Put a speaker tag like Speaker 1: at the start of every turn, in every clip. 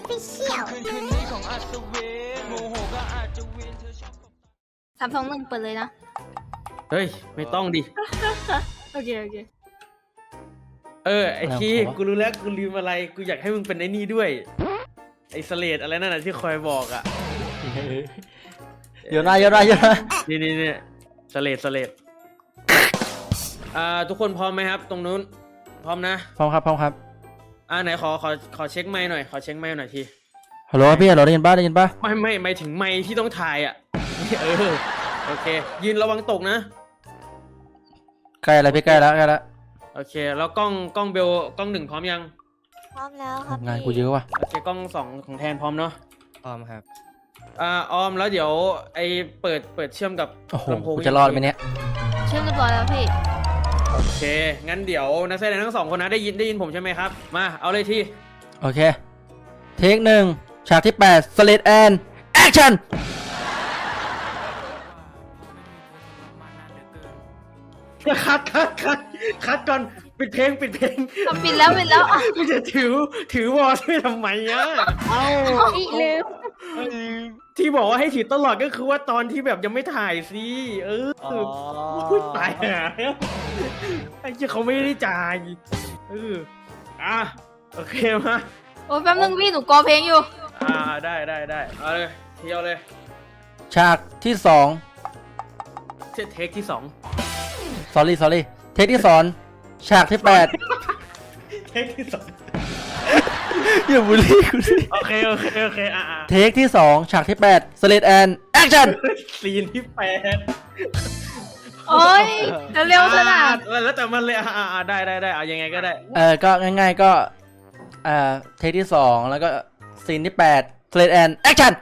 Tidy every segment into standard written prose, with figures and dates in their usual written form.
Speaker 1: Official
Speaker 2: 3 2 1เปิดเลยนะ
Speaker 3: เฮ้ยไม่ต้องดิ
Speaker 2: โอเค
Speaker 3: ไอทีกูรู้แล้วกูลืมอะไรกูอยากให้มึงเป็นไอ้นี่ด้วยไอสเลดอะไรนั่นน่ะที่คอยบอกอ่ะ
Speaker 4: เยอะนะ
Speaker 3: นี่สเลดทุกคนพร้อมไหมครับ ตรงนู้นพร้อมนะ
Speaker 4: พร้อมครับ
Speaker 3: ไหนขอเช็คไมค์หน่อยขอเช็คไมค์หน่อยที
Speaker 4: ฮัลโหลพี่ฮัลโหลได้ยินป่ะ
Speaker 3: ไม่ถึงไมค์ที่ต้องถ่ายอ่ะโอเคยืนระวังตกนะ
Speaker 4: ใกล้แล้วพี่ใกล้แล้ว
Speaker 3: โอเคแล้วกล้องเบลกล้อง1พร้อมยัง
Speaker 1: พร้อมแล้วครับ
Speaker 4: งานกูเยอะว่ะ
Speaker 3: โอเคกล้อง2ของแทนพร้อมเนาะ
Speaker 5: พร้อมครับ
Speaker 3: ออมแล้วเดี๋ยวไอเปิดเชื่อมกับ
Speaker 4: โอ้โห
Speaker 3: ลำโพง
Speaker 4: กูจะรอดไหมเนี่ย
Speaker 2: เชื่อมเรียบร้อยแล้วพี่
Speaker 3: โอเคงั้นเดี๋ยวนักแสดงทั้ง2คนนะได้ยินผมใช่ไหมครับมาเอาเลยที่
Speaker 4: โอเคเทค1ฉากที่8 Slate and Action
Speaker 3: คัดก่อนปิดเพลง
Speaker 2: ปิดแล้วอ่ะ
Speaker 3: ไม่จะถือวอลช่วยทำไมอ่ะ
Speaker 2: อีลืม
Speaker 3: ที่บอกว่าให้ถือตลอดก็คือว่าตอนที่แบบยังไม่ถ่ายสิพูดตายหาไอ้เจ้าเขาไม่ได้จ่ายโอเคมา
Speaker 2: โอ้ยแป๊บนึงพี่หนูกอเพลงอยู่
Speaker 3: ได้เอาเลยเที่ยวเลย
Speaker 4: ฉากที่2
Speaker 3: เทคที่2
Speaker 4: sorry เทคที่2ฉากที่8
Speaker 3: เทคที่2
Speaker 4: อย่าบูลลี่กูสิ
Speaker 3: โอเค
Speaker 4: เทคที่2ฉากที่8 Slate and Action
Speaker 3: ซีนที่8
Speaker 2: โอ้ยเร็วๆเถอะนะ
Speaker 3: แล้วแต่มันเลยได้เอายังไงก็ได้
Speaker 4: ก็ง่ายๆก็เทคที่2แล้วก็ซีนที่8 Slate and Action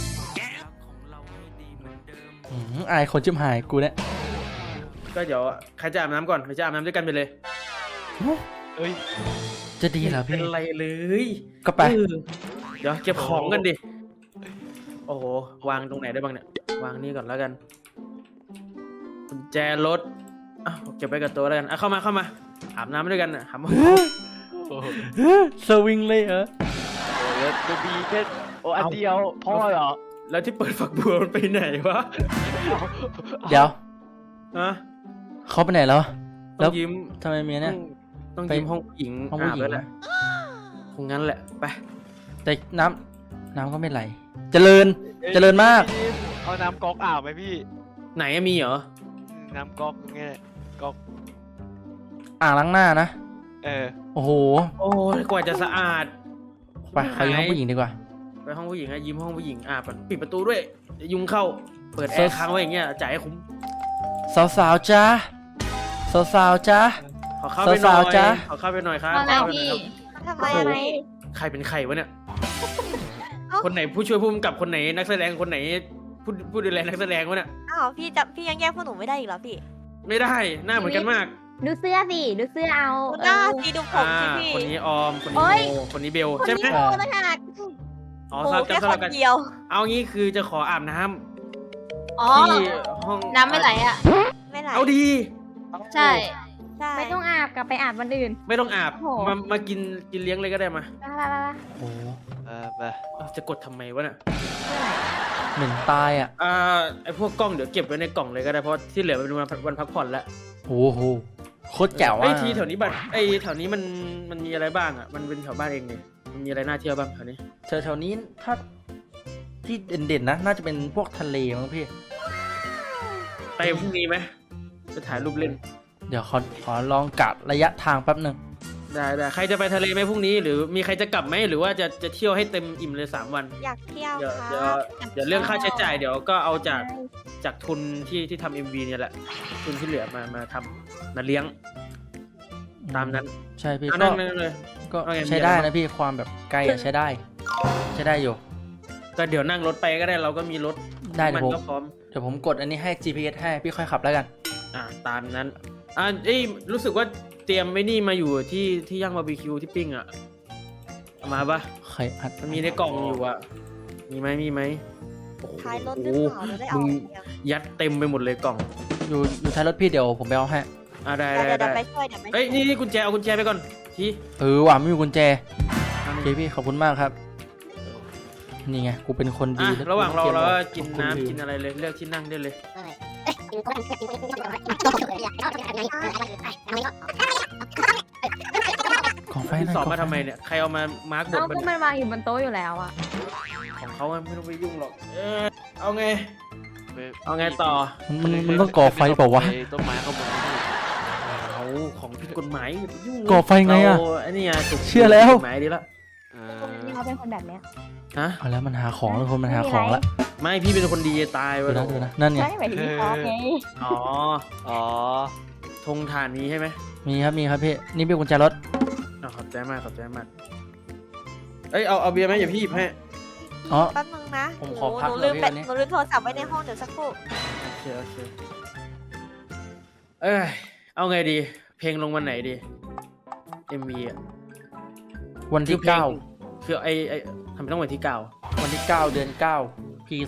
Speaker 4: อายคนจิ้มหายกูเนี่ย
Speaker 3: ก็เดี๋ยวใครจะอาบน้ำก่อนใครจะอาบน้ำด้วยกันไปเลย
Speaker 5: เอ้ย
Speaker 4: จะดีเหรอ
Speaker 3: เป็
Speaker 4: พี่
Speaker 3: นไรเลย
Speaker 4: ก็ไป
Speaker 3: เดี๋ยวเก็บของกันดิโอ้โหวางตรงไหนได้บ้างเนี่ยวางนี่ก่อนแล้วกันกุญแจรถเก็บไว้กับตัวแล้วกันเข้ามาอาบน้ำด้วยกันหามา
Speaker 4: สวิงเลยเหรอ
Speaker 5: โอ้ยจะมีแค่อันเดียวพ่อเหรอ
Speaker 3: แล้วที่เปิดฝักบัวมันไปไหนวะ
Speaker 4: เดี๋ยว
Speaker 3: ฮะ
Speaker 4: เขาไปไหนแล้ว
Speaker 3: ต้
Speaker 4: แล้
Speaker 3: อ
Speaker 4: ว
Speaker 3: งยิ้ม
Speaker 4: ทำไมเมียเนี่ย
Speaker 3: ต้องยิ้มห้องผู้หญิง
Speaker 4: ห้องผู้หญิง
Speaker 3: แล้วแหละคงงั้นแหละไป
Speaker 4: แต่น้ำก็ไม่ไหลเจริญมาก
Speaker 5: เอาน้ำก๊อกอาบไหมพี่
Speaker 3: ไหนมีเหรอ
Speaker 5: น้ำก๊อกไงก๊อก
Speaker 4: อ่างล้างหน้านะ โอ้โห
Speaker 3: โอ้ยกว่าจะสะอาด
Speaker 4: ไปเขาอยู่ห้องผู้หญิงดีกว่า
Speaker 3: ไปห้องผู้หญิงยิ้มห้องผู้หญิงก่อนปิดประตูด้วยยุงเข้าเปิดแอร์ค้างไว้อย่างเงี้ยจ่ายให้คุ้ม
Speaker 4: สาวๆจ้าจ้า
Speaker 3: ขอเข้าไปหน่อย
Speaker 4: สาวๆจ๊ะ
Speaker 3: ขอเข้าไปหน่อยครับ
Speaker 2: มาแล้วพี่
Speaker 1: ทำไมอะไร
Speaker 3: ใครเป็นใครวะเนี่ยคนไหนผู้ช่วยผู้กำกับคนไหนนักแสดงคนไหนผู้ดูแลนักแสดงวะเนี่ย
Speaker 1: อ้าวพี่ยังแยกพวกหนูไม่ได้อีกเหรอพี่
Speaker 3: ไม่ได้หน้าเหมือนกันมาก
Speaker 2: ดูเสื้อเอา
Speaker 1: ดูหน้าสีดูผมสิพี่
Speaker 3: คนนี้ออมคน
Speaker 2: โอ๊
Speaker 3: นี้
Speaker 2: ย
Speaker 3: โมคนนี้เบล
Speaker 1: คน
Speaker 3: ใช่ไหม
Speaker 1: นี้โมต่างหาก
Speaker 3: อ๋อ
Speaker 1: โม
Speaker 3: สลับกั
Speaker 1: แค่
Speaker 3: นส
Speaker 1: ค
Speaker 3: ลับ
Speaker 1: น
Speaker 3: กัน
Speaker 1: เดียว
Speaker 3: เอางี้คือจะขออาบน้ำ
Speaker 2: อ๋อ
Speaker 3: ที่ห้อง
Speaker 2: น้ำไม่ไหลอ่ะ
Speaker 1: ไม่ไหล
Speaker 3: เอาดี
Speaker 2: ใช่
Speaker 1: ใช่
Speaker 2: ไม่ต้องอาบกลับไปอาบวันอื่น
Speaker 3: ไม่ต้องอาบ
Speaker 2: โอ้โห
Speaker 3: มากินเลี้ยงเลยก็ได้มา
Speaker 4: โอ้โห
Speaker 5: ไป
Speaker 3: จะกดทำไมวะเนี่ย
Speaker 4: เหม็นตายอ่ะ
Speaker 3: ไอพวกกล้องเดี๋ยวเก็บไว้ในกล่องเลยก็ได้เพราะที่เหลือเป็นวันพักผ่อนแล้ว
Speaker 4: โอ้โหโคตรแจ๋ว
Speaker 3: ไอ
Speaker 4: อ่ะ
Speaker 3: ทีแถวนี้แถวนี้มันมีอะไรบ้างอ่ะมันเป็นแถวบ้านเองเนี่ยมันมีอะไรน่าเที่ยวบ้างแถวนี้
Speaker 4: แถวนี้ถ้าที่เด่นๆนะน่าจะเป็นพวกทะเลมั้งพี่
Speaker 3: ไปพรุ่งนี้ไหมจะถ่ายรูปเล่น
Speaker 4: เดี๋ยวขอลองกะระยะทางแป๊บหนึ่ง
Speaker 3: ได้ใครจะไปทะเลไหมพรุ่งนี้หรือมีใครจะกลับไหมหรือว่าจะเที่ยวให้เต็มอิ่มเลย3 วัน
Speaker 1: อยากเที่ยว
Speaker 3: เดี๋ยว
Speaker 1: ครับ
Speaker 3: เดี๋ยวเรื่องค่าใช้จ่ายเดี๋ยวก็เอาจากทุนที่ทำ MV เนี่ยแหละทุนที่เหลือมาทำมาเลี้ยงตามนั้น
Speaker 4: ใช่พี่
Speaker 3: นั่นเลย
Speaker 4: ก็
Speaker 3: ว่าไง
Speaker 4: ใช้ได้
Speaker 3: มีอะไรบ้าง
Speaker 4: นะพี่ความแบบไกลอะใช้ได้อยู่
Speaker 3: ก็เดี๋ยวนั่งรถไปก็ได้เราก็มีรถ
Speaker 4: ได้
Speaker 3: มัน
Speaker 4: เดี๋ยวผม
Speaker 3: ก็พร้อม
Speaker 4: กดอันนี้ให้ GPS ให้พี่ค่อยขับแล้วกัน
Speaker 3: ตามนั้นรู้สึกว่าเตรียมไว้นี่มาอยู่ที่ย่างบาร์บีคิวที่ปิ้งอ่ะเอามาปะ
Speaker 4: ใครอัด
Speaker 3: มันมีในกล่องอยู่อ่ะมีไหมโอ้โห
Speaker 1: ท้ายรถหรือเปล่าเราได้เอา
Speaker 3: มึง
Speaker 1: อย่างเดียว
Speaker 3: ยัดเต็มไปหมดเลยกล่อง
Speaker 4: อยู่ท้ายรถพี่เดี๋ยวผมไปเอาให้
Speaker 3: ได้
Speaker 1: เดี๋ยวไปช่วยเดี๋ยวไปช่วย
Speaker 3: นี่กุญแจเอากุญแจไปก่อนที
Speaker 4: ว่ะไม่มีกุญแจโอเคพี่ขอบคุณมากครับ
Speaker 3: โอ
Speaker 4: นี่ไงกูเป็นคนดี
Speaker 3: อ่ะ
Speaker 4: แล้ว
Speaker 3: ระหว่างรอเราก็กิน
Speaker 4: ขอบคุณ
Speaker 3: น้ำ
Speaker 4: พี่
Speaker 3: กินอะไรเลยเลือกที่นั่งได้เลย
Speaker 4: ขอไฟ
Speaker 3: พี่
Speaker 4: หน่อย
Speaker 3: สอบ
Speaker 4: ขอ
Speaker 3: มา
Speaker 4: ไฟ
Speaker 3: ทำไมเนี่ยใครเอามามาร์กบ
Speaker 2: เอา
Speaker 3: ท
Speaker 2: ก็มันวางอยู่บนโต๊ะอยู่แล้วอ่ะ
Speaker 3: ของเขาไม่ต้องไปยุ่งหรอกเอาไง เอาไงต่อ
Speaker 4: มันต้องก่อไฟเปล่าวะ
Speaker 5: ต้นไม้ข้างบนนี่
Speaker 3: เอาของผิดกฎหมายอย่าไปยุ่ง
Speaker 4: ก่อไฟไงอะ
Speaker 3: เราไอ้นี่ไงถูก
Speaker 4: เชื่อแล้ว
Speaker 3: ผิดกฎหมายดีละ
Speaker 5: เอ
Speaker 2: นี่เขาเป็นคนแบบเนี้ย
Speaker 3: ฮะ
Speaker 4: เอาแล้วมันหาของแล้วคนมันหาของแล้ว
Speaker 3: ไม่พี่เป็นคนดีจะตาย
Speaker 4: ดู
Speaker 3: วะ
Speaker 4: นะดูนะนั่นไง
Speaker 2: ใช่หมายถึงพี่ท็อปไง
Speaker 3: อ๋อ
Speaker 5: อ๋อ
Speaker 3: ธงฐานนี้ใช่ไหม
Speaker 4: มีครับพี่นี่เป็นกุญแจรถ
Speaker 3: ขอบใจมากขอบใจมากเอ้ยเอาเบียร์ไหมอย่าพี่หยิบให้
Speaker 4: อ๋อ
Speaker 1: แป๊บนึงนะ
Speaker 4: ผมขอพัก
Speaker 1: หนูลืม
Speaker 4: เลยพี่วันนี้
Speaker 1: หนูลืมโทรศัพท์ไว้ในห้องเดี๋ยวสักครู่
Speaker 3: โอเคเอ้ยเอาไงดี เพลงลงวันไหนดี MV อ่ะ
Speaker 4: วันที่
Speaker 3: คือเพลง
Speaker 4: 9
Speaker 3: คือไอทำไมต้องวันที่เก้า
Speaker 4: วันที่ 9 เดือน 9 ปี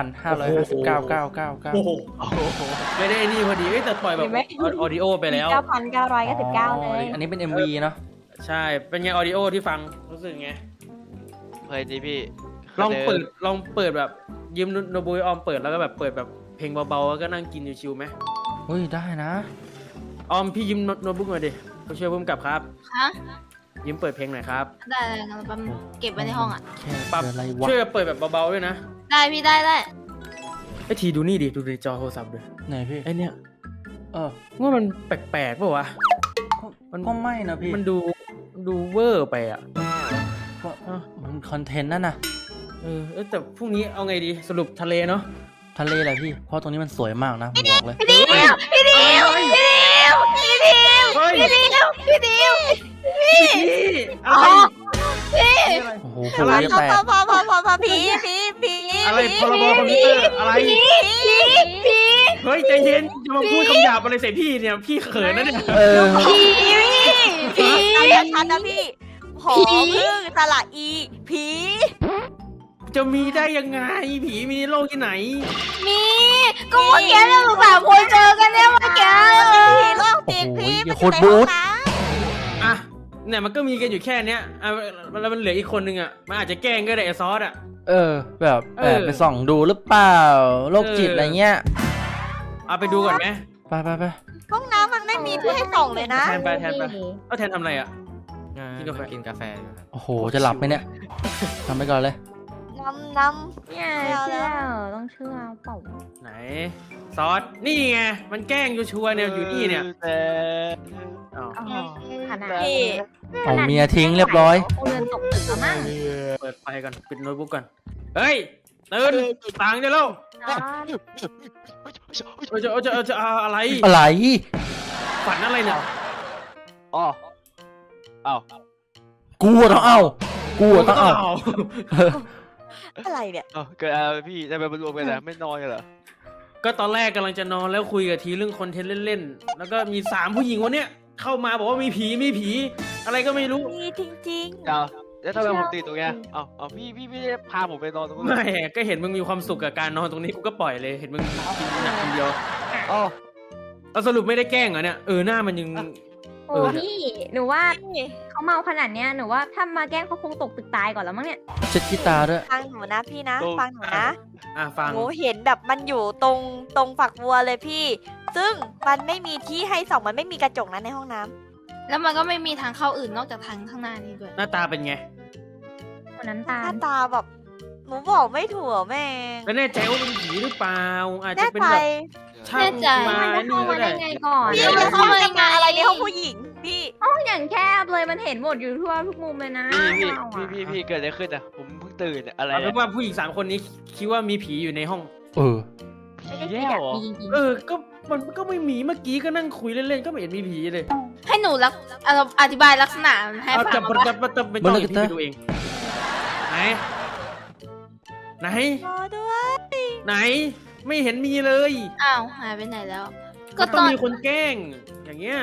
Speaker 4: 2559
Speaker 3: โอ้โหไม่ได้นี่พอดีเอ้ยแต่ปล่อยแบบออดิโอไปแล้ว
Speaker 2: 9,999เลย
Speaker 4: อันนี้เป็น MV เนาะ
Speaker 3: ใช่ เป็นไงออดิโอที่ฟังรู้สึกไง
Speaker 5: เฮ้ยนี่พี่
Speaker 3: ลองเปิดแบบยืมโนบุยออมเปิดแล้วก็แบบเปิดแบบเพลงเบาๆแล้วก็นั่งกินชิวๆไหม
Speaker 4: เฮ้ยได้นะ
Speaker 3: ออมพี่ยืมโน้ตบุ๊กหน่อยดิผู้ช่วยผู้กำกับครับ
Speaker 6: ฮะ
Speaker 3: ยืมเปิดเพลงหน่อยครับ
Speaker 6: ได้เลยงั้นแป๊บนึงเก็บไว้ในห้องอ่ะ
Speaker 4: แค่
Speaker 3: ปรับ
Speaker 4: เดือนอะไรวะ
Speaker 3: ช่วยเปิดแบบเบาๆด้วยนะ
Speaker 6: ได้พี่ได้
Speaker 3: ไอ้ทีดูนี่ดิดูในจอโทรศัพท์ด้วย
Speaker 4: ไหนพี่
Speaker 3: ไอ้เนี่ย
Speaker 4: เออ
Speaker 3: ว่ามันแปลกๆป่าวะ
Speaker 4: ก็ไม่นะพี่
Speaker 3: มันดูเวอร์ไปอ่ะ
Speaker 4: ก็มันคอนเทนต์นั่นน่ะ
Speaker 3: แต่พรุ่งนี้เอาไงดีสรุปทะเลเนาะ
Speaker 4: ทะเลแหละพี่ เพราะตรงนี้มันสวยมากนะผมบอกเลย
Speaker 3: พี่ดิวพี่ดิวพี่ดิวพี่ดิวพี่ดิวพี่ดิวอะไร
Speaker 4: โอ้โห
Speaker 3: อะ
Speaker 4: คุ
Speaker 3: ไร
Speaker 4: ยแตก
Speaker 1: พอผี
Speaker 3: อะไรพรบคอมพิวเตอร์อะไรเฮ้ยใจเย็นจะมาพูดคำหยาบอะไรใส่พี่เนี่ยพี่เขินนะเนี่ย
Speaker 4: เออ
Speaker 1: ผีชัดนะพี่หอพึ่งสระอีผี
Speaker 3: จะมีได้ยังไงผีมีในโลกที่ไหน
Speaker 6: มีก็เมื่อกี้เราสามคนเจอกันเนี่ยเมื่อกี้
Speaker 1: ผีโรคจิต
Speaker 4: โอ้โห
Speaker 1: พี่
Speaker 4: อย่า
Speaker 1: มัน
Speaker 4: โค
Speaker 1: อยู่
Speaker 4: ตร
Speaker 1: ใน
Speaker 4: บู๊
Speaker 1: ห้อง
Speaker 4: ด
Speaker 1: น้
Speaker 3: อ่ะเนี่ยมันก็มีกันอยู่แค่เนี้ยแล้วมันเหลืออีกคนนึงอ่ะมันอาจจะแกล้งก็ได้ไอ้ซอสอ่ะ
Speaker 4: เออ แบบ
Speaker 3: เออ
Speaker 4: ไปส่องดูหรือเปล่าโรคจิตอะไรเงี้ย
Speaker 3: เอาไปดูก่อนไหม
Speaker 4: ไป
Speaker 1: ำห้องน้ำมันไม่มีที่ให้ส่องเลยนะ
Speaker 3: แทนไปแทนทำอะไรอ่ะ กินกาแฟ
Speaker 7: กินกาแฟอยู่ครับ
Speaker 4: โอ้โห จะหลับไหมเนี่ยทำไปก่อนเลย
Speaker 1: น้
Speaker 2: เนี่ยเชื่อต้องเชื่อเปล่า
Speaker 3: ไหนซอสนี่ไงมันแกล้งชัวร์ๆเนี่ยอยู่นี่เนี่ย
Speaker 5: แต่
Speaker 3: อ้าว
Speaker 2: อ๋อขนาด
Speaker 1: ำพี่
Speaker 4: เอาเมียทิ้งเรียบร้อย
Speaker 2: คงเดินตกตึกแล้วมั้ง
Speaker 3: เปิดไฟก่อนปิดโน้ตบุ๊กก่อนเฮ้ยตื่นตังค์ได้แล้ว
Speaker 2: อ๋อ
Speaker 3: จะอะไร
Speaker 4: อะไร
Speaker 3: ฝันอะไรเนี่ย
Speaker 5: อ๋ออ้าว
Speaker 4: กูอะต้องเอากูอะต้องเอา
Speaker 1: อะไรเนี่ย
Speaker 5: เกิดอะไรพี่ทำไมมารวมกันนะไม่นอนกันเหรอ
Speaker 3: ก็ตอนแรกกำลังจะนอนแล้วคุยกับทีเรื่องคอนเทนต์เล่นๆแล้วก็มี3ผู้หญิงวันเนี้ยเข้ามาบอกว่ามีผีอะไรก็ไม่รู้
Speaker 1: มีจริง
Speaker 5: เอาแล้วทำไมผมติดตรงเนี้ยเอาพี่ไม่ได้พาผมไปนอนตรงนู้น
Speaker 3: ไม่ก็เห็นมึงมีความสุขกับการนอนตรงนี้กูก็ปล่อยเลยเห็นมึงกินหนักคนเดียว
Speaker 5: อ๋อ
Speaker 3: เอาสรุปไม่ได้แกล้งเหรอเนี่ยหน้ามันยัง
Speaker 2: โอ้พี่หนูว่า
Speaker 1: ๆนี่
Speaker 2: เขาเมาขนาดเนี้ยหนูว่าถ้ามาแกล้งเขาคงตกตึกตายก่อนแล้วมั้งเนี่ย
Speaker 4: เช็ดขี้ตาด้วย
Speaker 1: ฟังหนูนะพี่นะฟังหนูนะ
Speaker 3: ฟัง
Speaker 1: หนูเห็นแบบมันอยู่ตรงฝักบัวเลยพี่ ซึ่งมันไม่มีที่ให้ส่องมันไม่มีกระจกนะในห้องน้ำ
Speaker 6: แล้วมันก็ไม่มีทางเข้าอื่นนอกจากทางข้างหน้านี้ด้วย
Speaker 3: หน้าตาเป็นไง
Speaker 2: คนน้ำตา
Speaker 1: ห
Speaker 2: ล
Speaker 1: น้าตาแบบหนูบอกไม่ถูกแม่ง
Speaker 3: แล้วแน่ใจว่าเป็นผีหรือเปล่าอาจจะ
Speaker 1: แน่
Speaker 3: เป็น
Speaker 1: ใจ
Speaker 3: แบบช่างมา
Speaker 2: มันจะ
Speaker 3: นี่
Speaker 2: เข้า
Speaker 3: ก็
Speaker 2: มาได้
Speaker 3: ได้
Speaker 2: ไงก่อน
Speaker 1: พี่
Speaker 6: มั
Speaker 1: จะ
Speaker 6: น
Speaker 1: เข้า
Speaker 6: เข้า
Speaker 1: มา
Speaker 6: มา
Speaker 1: ทำงานอะไรในห้องผู้หญิงพี่
Speaker 2: ห้องอย่างแคบเลยมันเห็นหมดอยู่ทั่วทุกมุมเลยนะ
Speaker 5: พี่เกิดอะไรขึ้นอ่ะผมเพิ่งตื่นอะไร
Speaker 3: เอาเป็นว่าผู้หญิง3 คนนี้คิดว่ามีผีอยู่ในห้อง
Speaker 4: เออ
Speaker 2: ไม่ได้
Speaker 5: แย่
Speaker 2: คิดอยาก
Speaker 5: เหรอ
Speaker 2: มีจริง
Speaker 3: ก็มันก็ไม่มีเมื่อกี้ก็นั่งคุยเล่นๆก็ไม่เห็นมีผีเลย
Speaker 6: ให้หนูอธิบายลักษณะมันให้
Speaker 3: เอา
Speaker 6: ฟั
Speaker 3: จั
Speaker 6: ง
Speaker 3: บ
Speaker 6: มา
Speaker 3: จับจับไม่ต้องพี่ไปดูเองไหน
Speaker 1: รอด้วย
Speaker 3: ไหนไม่เห็นมีเลย
Speaker 6: อ้าวหายไปไหนแล้ว ก็
Speaker 3: ต้
Speaker 6: ต
Speaker 3: อง
Speaker 6: อน
Speaker 3: มีคนแกล้งอย่างเงี้ย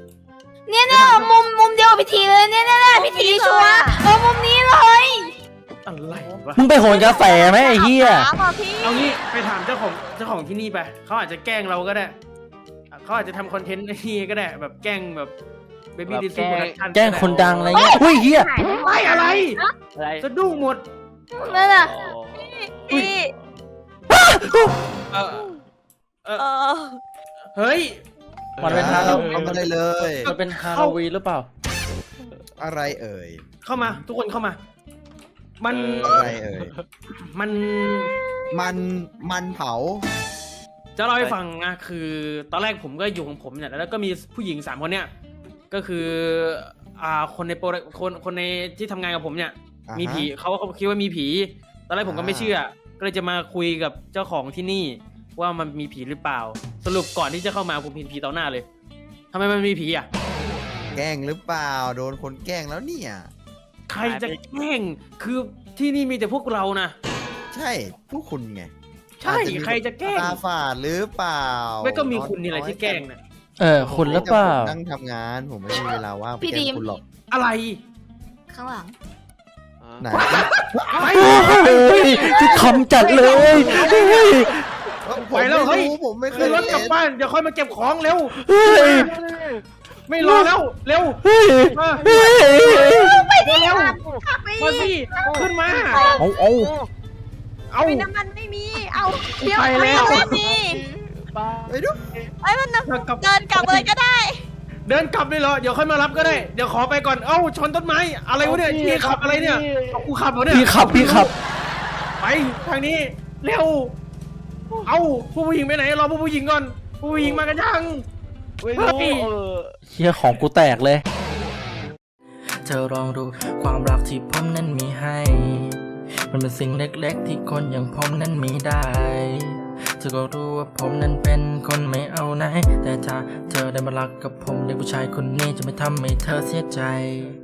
Speaker 6: มุมเดียวกับพิธีเลยเนี่ยพิธีชัวร์มุมนี้เลย
Speaker 3: อะไรวะ
Speaker 4: มึงไปโหนกาแฟไหมไอ้เหี้ย
Speaker 1: น้ำอ่ะพี่
Speaker 3: เอางี้ไปถามเจ้าของที่นี่ไปเขาอาจจะแกล้งเราก็ได้เขาอาจจะทำคอนเทนต์นี่ก็ได้แบบแกล้งแบบเบบี้ดิสโปรดักชั่น
Speaker 4: แกล้งคนดังอะไรเงี้ยอุ้ยเหี้ย
Speaker 2: หายไป
Speaker 3: ไม่อะไร
Speaker 5: อะไร
Speaker 3: สะดุ้งหมด
Speaker 6: นั่นน่ะ
Speaker 1: พี่
Speaker 3: เออเออ
Speaker 1: เออ
Speaker 3: เฮ้ย
Speaker 4: มันเป็นฮาโลวีน
Speaker 7: ทำอะไรเลย
Speaker 4: มันเป็นฮาโลวีนหรือเปล่า
Speaker 7: อะไรเอ่ย
Speaker 3: เข้ามาทุกคนเข้ามา มัน
Speaker 7: อะไรเอ่ย
Speaker 3: มัน
Speaker 7: มันเผา
Speaker 3: จะเล่าให้ฟังนะคือตอนแรกผมก็อยู่ของผมเนี่ยแล้วก็มีผู้หญิง3 คนเนี่ยก็คือคนในคนในที่ทำงานกับผมเนี่ย
Speaker 7: อ่าฮะ
Speaker 3: มีผีเขาคิดว่ามีผีตอนแรกผมก็ไม่เชื่อ ก็เลยจะมาคุยกับเจ้าของที่นี่ว่ามันมีผีหรือเปล่า สรุปก่อนที่จะเข้ามาผมเห็นผีต่อหน้าเลยทำไมมันมีผีอ่ะ
Speaker 7: แกล้งหรือเปล่า โดนคนแกล้งแล้วเนี่ย
Speaker 3: ใครจะแกล้งคือที่นี่มีแต่พวกเรานะ
Speaker 7: ใช่พวกคุณไง
Speaker 3: ใช่
Speaker 7: อาจมี
Speaker 3: ใครจะแกล้ง
Speaker 7: ตาฝาดหรือเปล่า
Speaker 3: ไม่ก็มีคุณนี่แหละที่แกล้งนะ
Speaker 4: คุณหรือเปล่า
Speaker 7: ผมนั่งทำงานผมไม่มีเวลาว่างไป
Speaker 6: พี่
Speaker 7: แกล้
Speaker 6: ดี
Speaker 7: ง
Speaker 6: ม
Speaker 7: คุณหรอก
Speaker 3: อะไร
Speaker 6: ข้างหลัง
Speaker 7: ไหน
Speaker 4: ที่คำจัดเลย
Speaker 3: ไปแล้วเฮ้ย
Speaker 7: ผมไม่เค
Speaker 3: ขึ้
Speaker 7: ย
Speaker 3: นรถกลับบ้านเดี๋ยวค่อยมาเก็บของเร็ว
Speaker 4: เฮ้ย
Speaker 3: ไม่รอแล้วเร็ว
Speaker 4: เฮ้ย
Speaker 3: มา
Speaker 4: เฮ้ย
Speaker 3: เร็วมาสิขึ้นมา
Speaker 4: เอา
Speaker 3: เอา
Speaker 2: มีน้ำมันไม่มี เอา
Speaker 3: ไปแล้ว
Speaker 1: ไม่มี
Speaker 7: ไปดู
Speaker 1: ไอ้ยมันนะ
Speaker 3: กลับ
Speaker 1: เดินกลับเลยก็ได้
Speaker 3: เดินกลับเลยเหรอเดี๋ยวค่อยมารับก็ได้เดี๋ยวขอไปก่อนเอ้าชนต้นไม้อะไรวะเนี่ยพี่ขับอะไรเนี่ยเอากูขับเหรอเนี่ย
Speaker 4: พี่ขับ
Speaker 3: ไปทางนี้เร็วเอาผู้หญิงไปไหนรอผู้หญิงก่อนผู้หญิงมากันยัง
Speaker 5: ไม่รู้
Speaker 3: เฮ้ย
Speaker 4: เฮียของกูแตกเลย
Speaker 8: เธอลองดูความรักที่ผมนั้นมีให้ มันเป็นสิ่งเล็กๆที่คนอย่างผมนั้นมีได้ เธอก็รู้ว่าผมนั้นเป็นคนไม่เอาไหน แต่ถ้าเธอได้มารักกับผมเด็กผู้ชายคนนี้จะไม่ทำให้เธอเสียใจ